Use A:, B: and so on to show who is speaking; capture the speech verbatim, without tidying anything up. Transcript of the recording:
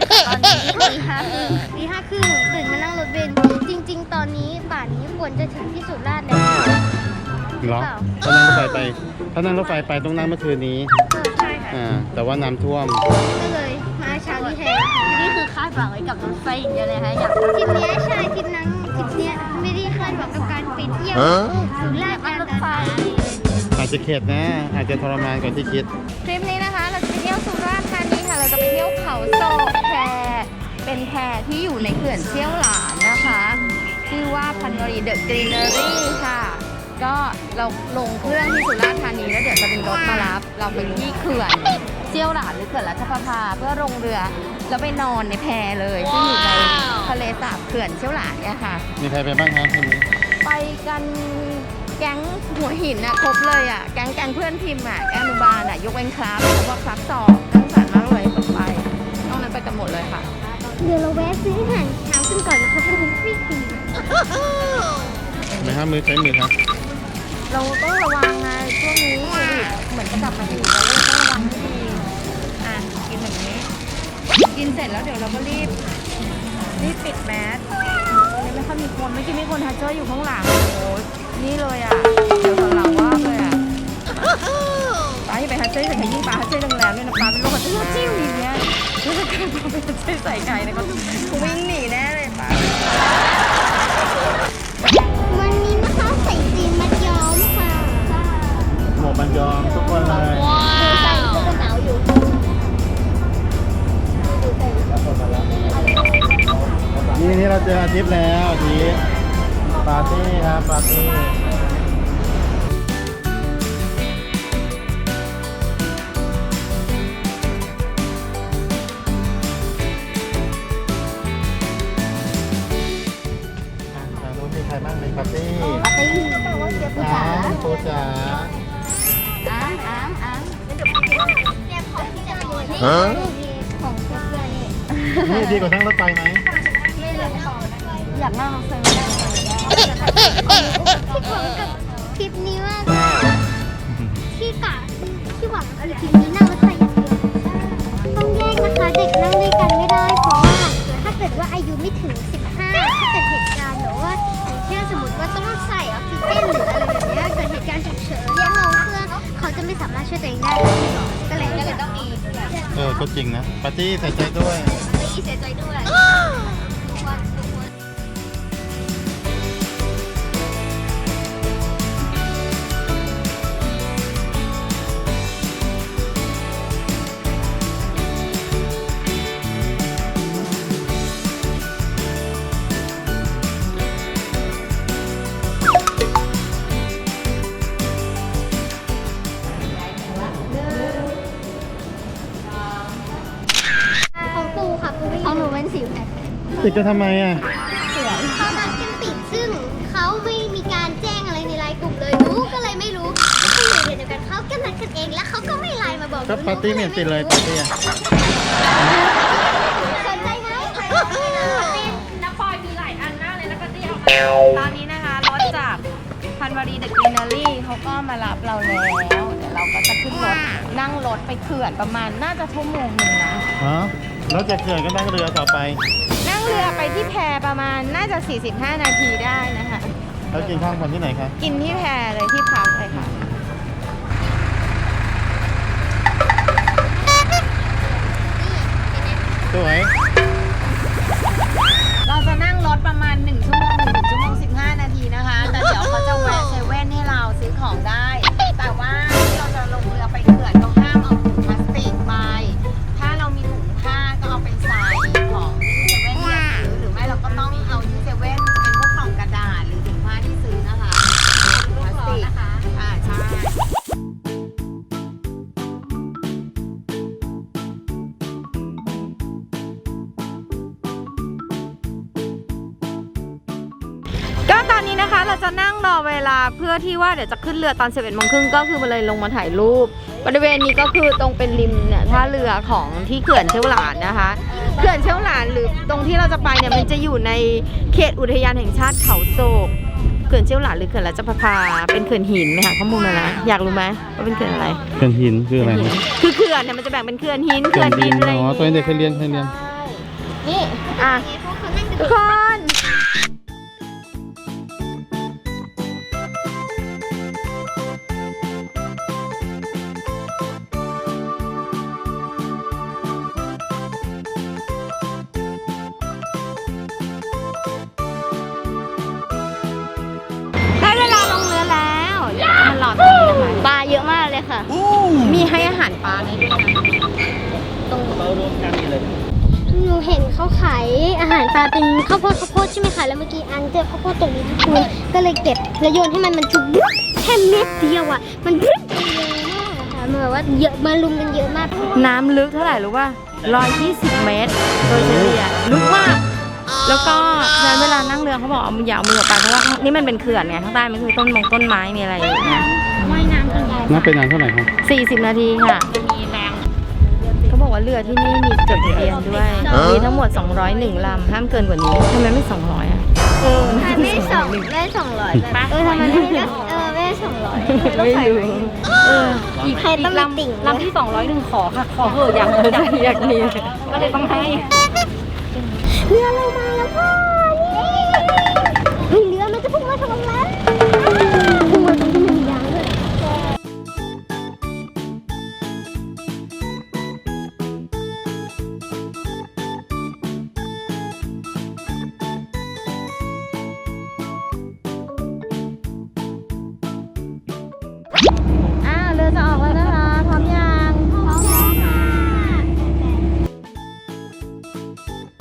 A: ตอนนี้ตีห้าครึ่งตีห้าครึ่งตื่นมานั่งรถเบนซ์จริงๆตอนนี้ป่านนี้ควรจะถึงที่สุราษฎร์แล้ว
B: เหรอถ้านั่งรถไฟไปถ้านั่งรถไฟไปต้องนั่งเมื่อคืนนี้
A: เออใช่ค่ะ
B: อ่าแต่ว่าน้ำท่วม
A: ก็เลยมาเช้านี้แทน
C: นี่คือคาดหวังไว้กับรถไฟอย่างเดียวเลยฮะอยาก
A: ทริปเนี้ยใช่ทริปนั้นทริปเนี้ยไม่ได้คาดหวังกับการไปเที่ยวสุราษฎร์ธานี
B: อาจจะเข็ดนะ อาจจะทรมานกว่าที่คิด
C: ทริปนี้นะคะเราจะไปเที่ยวสุราษฎร์ธานีค่ะเราจะไปเที่ยวเขาโศกแพเป็นแพที่อยู่ในเขื่อนเชี่ยวหลานนะคะชื่อว่าพันวรีเดอะกรีนเนอรี่ค่ะก็เราลงเครื่องที่สุราษฎร์ธานีแล้วเดี๋ยวจะเป็นรถมารับเราไปที่เขื่อนเชี่ยวหลานหรือเขื่อนรัชประภาเพื่อลงเรือแล้วไปนอนในแพเลยซึ่งอยู่ในทะเลสาบเขื่อนเชี่ยวหลานเนี่ยค่ะ
B: มีใครไปบ้างคะทีนี้
C: ไปกันแก๊งหัวหินอะครบเลยอะแก๊งแก๊งเพื่อนพิมพ์อะแก๊งอนุบาลอะยกเว้นครับเพราะว่าครับสอบต้องสารมากเลยตกไปนอกนั้นไปกันหมดเลยค่ะ
A: เดี๋ยวเราแวะซื้ออาหารเช้ากันก่อนนะคะเป็นบุฟเฟ่ต์ฟรี
B: ไม่ห้ามมือใช้มือครับ
C: เราต้องระวังไงช่วงนี้โควิดเหมือนจะกลับมาอีกเราก็เลยต้องระวังให้ดีอ่ะกินแบบนี้ กินเสร็จแล้วเดี๋ยวเราก็รีบรีบปิดแมสตรงนี้ไม่ค่อยมีคนไม่อกี้มีคนทัชเจอร์อยู่ข้างหลังโอ้โหนี่เลยอ่ะเดี๋ยวหลังว่าเลยอ่ะป้าที่ไปทัชเจอร์แต่ยิ่งป้าทัชเจอร์แรงๆด้วยนะป้าเป็นโรคทัชเจอร์จิ้วอย่างเงี้ยรู้สึกการป้าไปทัชเจอร์ใส่ไก่เนี่ยเขาวิ่งหนีแน่เลยป้า
A: วันนี้นะคะใส่สีมัดย้อมค่ะ
B: หมวกมันยอมทุกคนเลย
A: ดูใส่ก็จะหนาวอยู่
B: นี่นี่เราเจออาทิตย์แล้วอาทิตย์ปาร์ตี้ครับปาร์ตี้ทางนู้นมีใครบ้างในปาร์ตี้
A: ปาร์ตี้แปลว่าเจี๊ยบ
B: อ้าวโคจ๋า
C: อ้ามอ้ามอ้าม
A: เนี่ยของที่จะโดนนี่ของเพื่อนนี่
B: นี่ดีกว่าทั้งรถไฟไหม
A: ไม่เลยของ
C: อยากนั่งรถไฟไม่ได้เลย
A: ที่หวังกับทริปนี้มากที่กะที่หวังกับทริปนี้นั่งรถไฟอย่างเดียวต้องแยกนะคะเด็กนั่งด้วยกันไม่ได้เพราะว่าถ้าเกิดว่าอายุไม่ถึงสิบห้าถ้าเกิดเหตุการณ์หรือว่าอย่างเช่นสมมติว่าต้องใส่ออกซิเจนหรืออะไรแบบนี้เกิดเหตุการณ์ฉุกเฉินเรียกน้องเพื่อนเขาจะไม่สามารถช่วยตัวเองได้ก็เลยก็เลยต้องมี
B: เออก็จริงนะปาร์ตี้ใส่ใจด้วย
A: เสียใจด้วย ของปูค่ะปูไม่ของหนูเป็นสิวค่ะ
B: ติดจะทำไมอ่ะ
A: เขานัดกันปิดซึ่งเขาไม่มีการแจ้งอะไรในไลน์กลุ่มเลยหนูก็เลยไม่รู้เขาอยู่เดียวกันเขาก็นัดกันเองแล้วเขาก็ไม่ไลน์มาบอกหนู
B: ก็ปาร์ตี้ไม่เห็นติดเลยปาร์ตี้อ่ะ
A: สนใจไหม
C: นักปอยมีหลายอันมากเลยแล้วก็ที่เอาตอนนี้นะคะรถจากพันวรีเดอะกรีนเนอรี่เขาก็มารับเราแล้วเดี๋ยวเราก็จะขึ้นรถนั่งรถไปเขื่อนประมาณน่าจะชั่วโมงหนึ่งนะ
B: ฮะแล้วจากเขื่อนก็นั่งเรือต่อไป
C: นั่งเรือไปที่แพประมาณน่าจะ สี่สิบห้า นาทีได้นะคะ
B: แล้วกินข้าวกันที่ไหนคะ
C: กินที่แพเลยที่พักเลยค่ะ
B: สวย
C: เราจะนั่งรถประมาณหนึ่งชั่วโมงหนึ่งชั่วโมงสิบห้านาทีนะคะ แต่เดี๋ยวเขาจะแวะเซเว่นให้เราซื้อของได้ แต่ว่าที่เราจะลงเรือไปเขื่อนต้องห้ามเอาถุงพลาสติกไป ถ้าเรามีถุงผ้าก็เอาไปใส่ของที่เซเว่นที่เราซื้อหรือไม่เราก็ต้องเอาที่เซเว่นเป็นพวกกล่องกระดาษหรือถุงผ้าที่ซื้อนะคะถุงพลาสติกนะคะอ่าใช่ ก็ตอนนี้นะคะเราจะนั่งรอเวลาเพื่อที่ว่าเดี๋ยวจะขึ้นเรือตอนสิบเอ็ดโมงครึ่งก็คือมาเลยลงมาถ่ายรูปบริเวณนี้ก็คือตรงเป็นริมเนี่ยท่าเรือของที่เขื่อนเชี่ยวหลานนะคะเขื่อนเชี่ยวหลานหรือตรงที่เราจะไปเนี่ยมันจะอยู่ในเขตอุทยานแห่งชาติเขาโศกเขื่อนเชี่ยวหลานหรือเขื่อนรัชประภาเป็นเขื่อนหินไหมคะข้อมูลมาแล้วอยากรู้ไหมว่าเป็นเขื่อนอะไร
B: เขื่อนหินคืออะไร
C: คือเขื่อนเนี่ยมันจะแบ่งเป็นเขื่อนหิน
B: เขื่อนดิน
C: อะไร
B: อ๋อตัวเด็กเคยเรียนเคยเรียน
C: ในี่อ่ะ
A: เพราะเขานั่ง
C: ทุ
A: กั
C: ก
A: น
C: คนได้เวลาลงเรือแล้วเดี๋ยวเรามารอตรงนี้นะคะ
A: ปลาเยอะมากเลยค่ะ
C: มีให้อาหารปลาในด้วยนะ
A: ตรง
B: เรารวมกันอยู่เลย
A: หนูเห็นเขาขายอาหารปลาเป็นข้าวโพดข้าวโพดใช่ไหมคะ แล้วเมื่อกี้อันเจอข้าวโพดตรงนี้ทุกคนก็เลยเก็บแล้วโยนให้มันมันจุ๊บแค่เม็ดเดียวอ่ะ มันพรึบเยอะมากอะค่ะมันแบบว่าเยอะมาลุมกันเยอะมาก
C: น้ำลึกเท่าไหร่รู้ป่ะร้อยยี่สิบเมตร โดยเฉลี่ยลึกมาก แล้วก็ฉะนั้นเวลานั่งเรือเขาบอกเอามืออย่าเอามือออกไปเพราะว่านี่มันเป็นเขื่อนไงข้างใต้มันคือต้นมงต้นไม้มีอะไรอย่างเงี้ย
A: ว่ายน้ำกันได้
B: น่าเป็นนานเท่าไหร่ครับ
C: สี่สิบนาทีค่ะมีแรงเขาบอกว่าเรือที่นี่มีจดทะเบียนด้วย มีทั้งหมดสองร้อยเอ็ดลำห้ามเกินกว่านี้ทำไมไม่สองร้อยอ่ะเออ
A: ไม่ได้สองไม่ได้สองร้อยเออทำไมไม่ได้เออไม่ได้สองร้อย
C: ไม่รู้เออ
A: อีกใครต้องมีติ่ง
C: ลำที่สองร้อยหนึ่งขอค่ะ ขอเถอะอยากอยากอยากมีก็เลยต้องให้
A: เรือเรามาแล้วพ่อนี่เรือมันจะพุ่งมาทางนั้นพุ่งมาตรงที่มันมียางด้วย
C: อ้าวเรือจะออกแล้วนะคะพร้อมยัง
A: พร้อมแล้วค่ะ